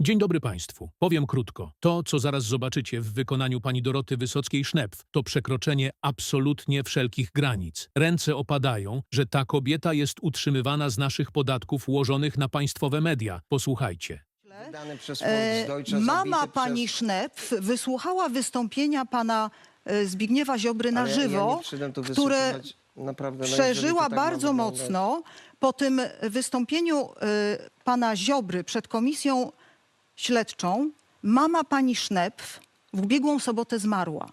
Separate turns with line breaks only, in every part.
Dzień dobry Państwu. Powiem krótko. To, co zaraz zobaczycie w wykonaniu pani Doroty Wysockiej-Sznepf, to przekroczenie absolutnie wszelkich granic. Ręce opadają, że ta kobieta jest utrzymywana z naszych podatków ułożonych na państwowe media. Posłuchajcie.
Wydany przez Volksdeutsche,
Mama
zabity
pani
przez...
Sznepf wysłuchała wystąpienia pana Zbigniewa Ziobry na
Ale
żywo,
ja nie przyszedłem tu
które
wysłuchiwać, naprawdę, no
przeżyła
jeżeli to tak ma
bardzo
wyglądać.
mocno. Po tym wystąpieniu pana Ziobry przed komisją śledczą mama pani Sznepf w ubiegłą sobotę zmarła.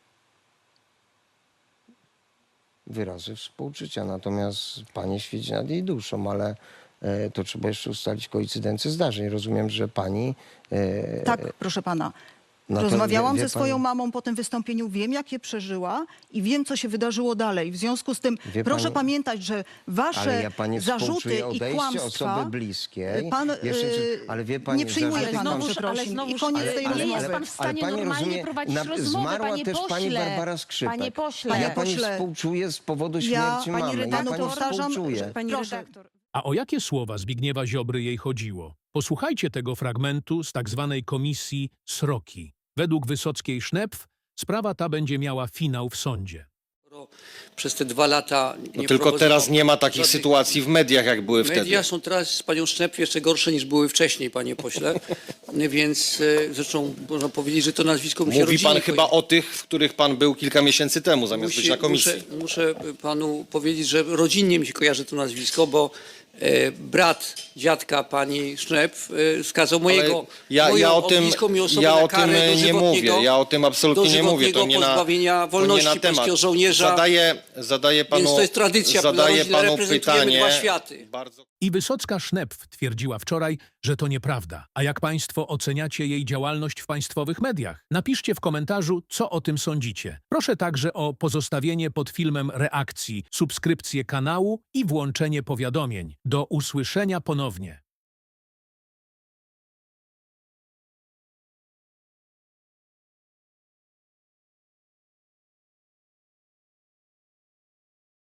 Wyrazy współczucia, natomiast Panie świeci nad jej duszą, ale to trzeba jeszcze ustalić koincydencję zdarzeń. Rozumiem, że Pani...
Tak, proszę pana.
no to
Rozmawiałam
wie
ze swoją
pani-
mamą po tym wystąpieniu, wiem jak je przeżyła i wiem co się wydarzyło dalej. W związku z tym
Wie
proszę
pani-
pamiętać, że
Ale
wasze
ja Pani
zarzuty
współczuję
i
odejście
kłamstwa
osoby bliskiej.
pan
ale wie Pani,
nie przyjmuje
zarzuty
pana
kłamstwa-
przeprosin i
znowuż-
koniec
ale-
tej
ale
rozmowy.
jest pan w stanie
pani
normalnie
rozumie,
prowadzić rozmowę,
zmarła
panie
też Pani
pośle.
Barbara Skrzypek.
Panie pośle.
A ja
Panie
Pani
pośle,
współczuję z powodu
ja-
śmierci
pani
mamy. Ja
redaktor,
Pani
powtarzam,
współczuję.
że-
Pani
Proszę.
redaktor.
A o jakie słowa Zbigniewa Ziobry jej chodziło? Posłuchajcie tego fragmentu z tak zwanej komisji Sroki. Według Wysockiej-Sznepf sprawa ta będzie miała finał w sądzie.
Przez te 2 lata nie
No tylko
prowadzono
teraz nie ma takich
żadnych-
sytuacji w mediach, jak były wtedy.
Media są teraz z panią Sznepf jeszcze gorsze niż były wcześniej, panie pośle. Więc zresztą można powiedzieć, że to nazwisko mu się
Mówi pan
rodzinnie
chyba o tych, w których pan był kilka miesięcy temu, zamiast być na komisji.
Muszę panu powiedzieć, że rodzinnie mi się kojarzy to nazwisko, bo brat dziadka pani Sznepf skazał mojego
ja o tym,
bliską osobę
ja
na
o tym
karę
nie
dożywotniego-
mówię. Ja o tym absolutnie nie mówię. To nie na,
pozbawienia
to
wolności
nie na temat.
polskiego żołnierza.
Zadaję panu,
Więc to jest tradycja,
zadaję panu
reprezentujemy
pytanie.
dwa światy.
Bardzo...
I Wysocka-Sznepf twierdziła wczoraj, że to nieprawda. A jak Państwo oceniacie jej działalność w państwowych mediach? Napiszcie w komentarzu, co o tym sądzicie. Proszę także o pozostawienie pod filmem reakcji, subskrypcję kanału i włączenie powiadomień. Do usłyszenia ponownie.